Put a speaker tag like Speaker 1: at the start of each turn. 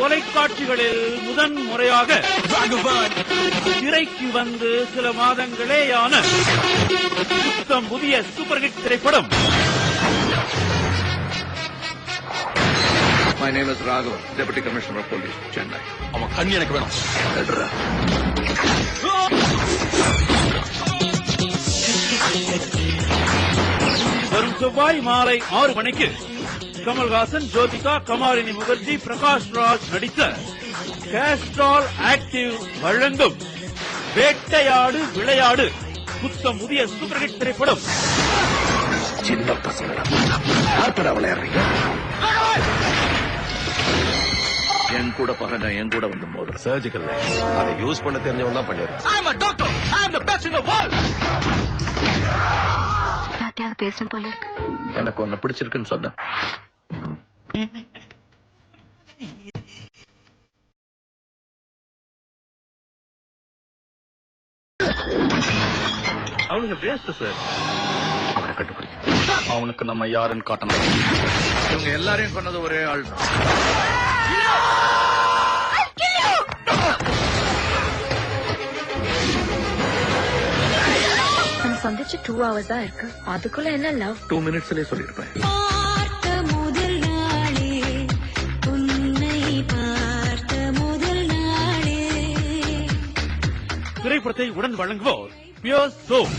Speaker 1: தொலைக்காட்சிகளில் முதன் முறையாக திரைக்கு வந்து சில மாதங்களேயான புத்தம் புதிய சூப்பர் ஹிட் திரைப்படம்.
Speaker 2: My name is Raghav, Deputy Commissioner of Police, Chennai.
Speaker 3: அவன் கண்ணி எனக்கு வேணும்.
Speaker 1: வரும் செவ்வாய் மாலை 6 மணிக்கு கமல்ஹாசன், ஜோதிகா, கமாலினி முகர்ஜி, பிரகாஷ் ராஜ் நடித்த கேஸ்ட்ரால் ஆக்டிவ் வழங்கும் வேட்டையாடு விளையாடு புத்தம் புதிய சூப்பர் ஹிட் திரைப்படம்.
Speaker 2: சின்ன பசங்களா விளையாடுறீங்க? என் கூட பகங்க, என் கூட வந்து மோதுற
Speaker 3: சர்ஜிக்கல் அதை யூஸ் பண்ண தெரிஞ்சவன் தான் பண்ணிடுறேன்.
Speaker 4: பேசணும் போல இருக்கு.
Speaker 2: எனக்கு ஒன்னு பிடிச்சிருக்குன்னு சொன்ன.
Speaker 1: அவனுங்க பேச சார்,
Speaker 2: அவனை கண்டுபிடிக்க.
Speaker 3: அவனுக்கு நம்ம யாருன்னு காட்டணும்.
Speaker 2: இவங்க எல்லாரையும் கொண்டது ஒரே ஆள் தான்.
Speaker 4: சந்திச்சு 2 hours தான் இருக்கு. அதுக்குள்ள என்ன லவ்?
Speaker 2: 2 minutesலயே சொல்லிருப்பேன்.
Speaker 1: திரைப்படத்தை உடன் வழங்குவோர் பியோர் சோப்.